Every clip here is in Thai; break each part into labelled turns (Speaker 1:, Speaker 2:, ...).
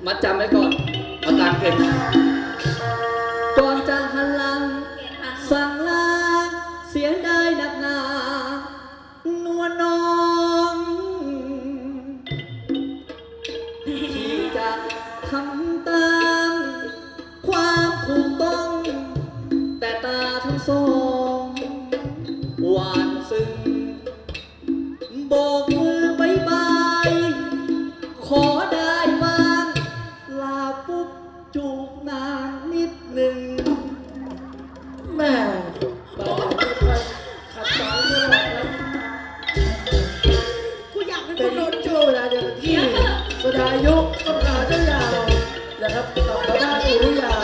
Speaker 1: มัดจำไว้ก่อนเอาตามเก็บก่อนจะหันหลังสั่งลาเสียดายหนักหนานวลน้องที่จะทำตามความถูกต้องแต่ตาทั้งสองหวานซึ้งโบกมือบายบายขอได้บ้างลาปุ๊บจูบนางนิดหนึ่งแม่บอกขัดสอนตลอดนะ
Speaker 2: กูอยากเป็นค
Speaker 1: เป็น
Speaker 2: นโดน
Speaker 1: ช่วงเวลาเดียวกันที่สดายุต้นขาเจ้ายาวนะครับกับพระด้านอุรุยา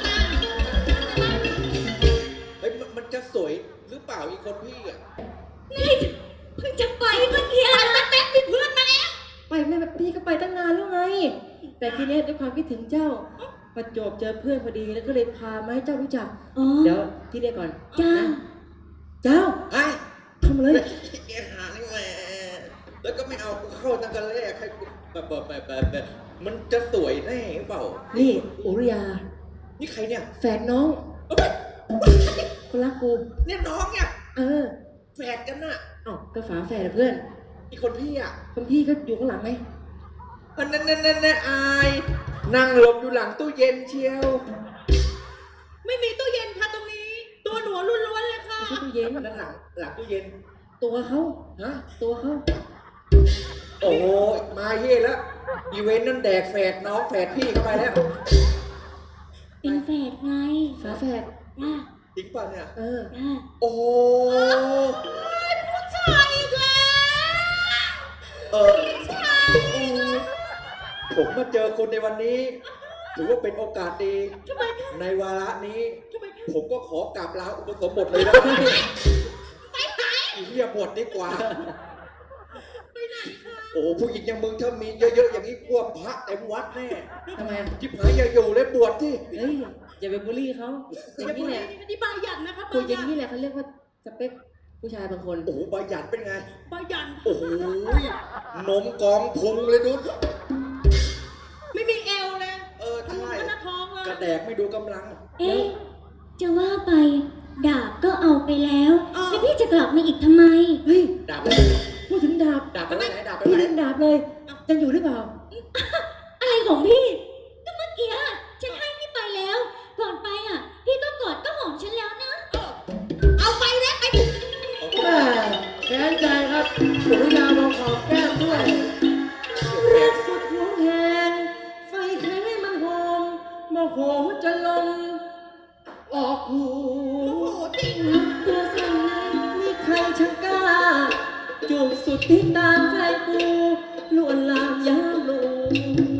Speaker 3: เฮ้ยมันจะสวยหรือเปล่าอีกคนพี่อ่ะ
Speaker 2: นี่เพิ่งจะไปเมื่อกี้แป๊บๆมีเพื่อนมาแล้ว
Speaker 4: ไปแม่แบบพี่ก็ไปตั้งนานแล้วไง แต่ทีนี้ด้วยความคิดถึงเจ้าประจวบเจอเพื่อนพอดีแล้วก็เลยพามาให้เจ้ารู้จัก
Speaker 2: อ๋อ
Speaker 4: เดี๋ยวพี่เรียกก่อน
Speaker 2: เจ้า
Speaker 4: นะเจ้า
Speaker 3: ไอ้
Speaker 4: ทำเลย
Speaker 3: แกหานี่แหละแล้วก็ไม่เอากูเข้าตั้งแต่แรกให้กูแบบมันจะสวยแน่หรือเปล่า
Speaker 4: นี่อุริยา
Speaker 3: นี่ใครเนี่ย
Speaker 4: แฝดน้อง
Speaker 3: เอ้ย
Speaker 4: คนรักกู
Speaker 3: เนี่ยน้องเนี่ย
Speaker 4: เออ
Speaker 3: แฝดกันน่ะ
Speaker 4: เอ้าก็ฝาแฝดอะเพื่อน
Speaker 3: อีกคนพี่อ่ะ
Speaker 4: คนพี่ก็อยู่ข้างหลังไหม
Speaker 3: อันนั่นอายนั่งหลบอยู่หลังตู้เย็นเชียว
Speaker 2: ไม่มีตู้เย็นค่ะตรงนี้ ตัวหนูล้วนๆเลยค่ะ
Speaker 4: ไม่ใช่ตู้เย็น
Speaker 3: นั่นหลังตู้เย็น
Speaker 4: ตัวเขา
Speaker 3: ฮะ
Speaker 4: ตัวเขา
Speaker 3: โอ้โหมาเย่แล้วอีเวนต์นั่นแดกแฝดน้องแฝดพี่เข้าไปแล้ว
Speaker 2: เป็นแฝดไง
Speaker 4: ฝาแฝด
Speaker 2: จ้า
Speaker 3: จริงป่ะเนี่ย
Speaker 4: เออ
Speaker 2: จ้า
Speaker 3: โอ้โห
Speaker 2: ผู้ชายอีกแล้ว
Speaker 3: เออผมมาเจอคุณในวันนี้ ถือว่าเป็นโอกาสดี
Speaker 2: ทำไมคะ
Speaker 3: ในวาระนี้
Speaker 2: ทำไมคะ
Speaker 3: ผมก็ขอกราบลาอุปสมบทเลยนะอีเหี้ยบวชดีกว่า
Speaker 2: ไปไหนคะ
Speaker 3: โอ้โหผู้หญิงอย่างมึงถ้ามีเยอะๆอย่างนี้กลัวพระเต็มวัดแน่
Speaker 4: ทำไม
Speaker 3: จิบหายอย่าอยู่เลยบวชที่
Speaker 4: เฮ้ยอย่าไปบูลลี่เขาอย่างนี้แหละ
Speaker 2: นี่บายันนะคะ
Speaker 4: คุยอย่างนี้แหละเขาเรียกว่าสเปคผู้ชายบางคน
Speaker 3: โอ้โหใบหยันเป็นไง
Speaker 2: บายัน
Speaker 3: โอ้โหนมกองพุงเลยดุ๊ด
Speaker 2: ไม่มีเอวเลย
Speaker 3: เออใช่
Speaker 2: มันหน้าท้องเลย
Speaker 3: กระแดกไม่ดูกำลัง
Speaker 5: เอ๊ะ จะว่าไปดาบก็เอาไปแล้ว แล้วพี่จะกลับมาอีกทำไม
Speaker 4: เฮ้ย
Speaker 3: ดาบไปไหน
Speaker 4: พูดถึงดาบ
Speaker 3: ดาบไปไหนดาบไป
Speaker 4: พี่
Speaker 3: ไหน
Speaker 4: เล่นดาบเลยยังอยู่หรือเปล่า
Speaker 5: อะไรของพี่ ก็เมื่อกี้ฉันให้พี่ไปแล้ว ก่อนไปอ่ะ พี่ก็กอดก็หอมฉันแล้วนะ
Speaker 2: เอาไปแล้วไป
Speaker 4: แม่แค้นใจครับสุริยาบอกขอแก้มด้วยรักสุดหวงแหนไฟแค้นให้มันหอมโมโหจะลมออกหู
Speaker 2: โอ้โหจริง
Speaker 4: ตัวสั่นเลยมีใครช่างกล้าจูบสุดที่ตาแฟนกูลวนลามยามลู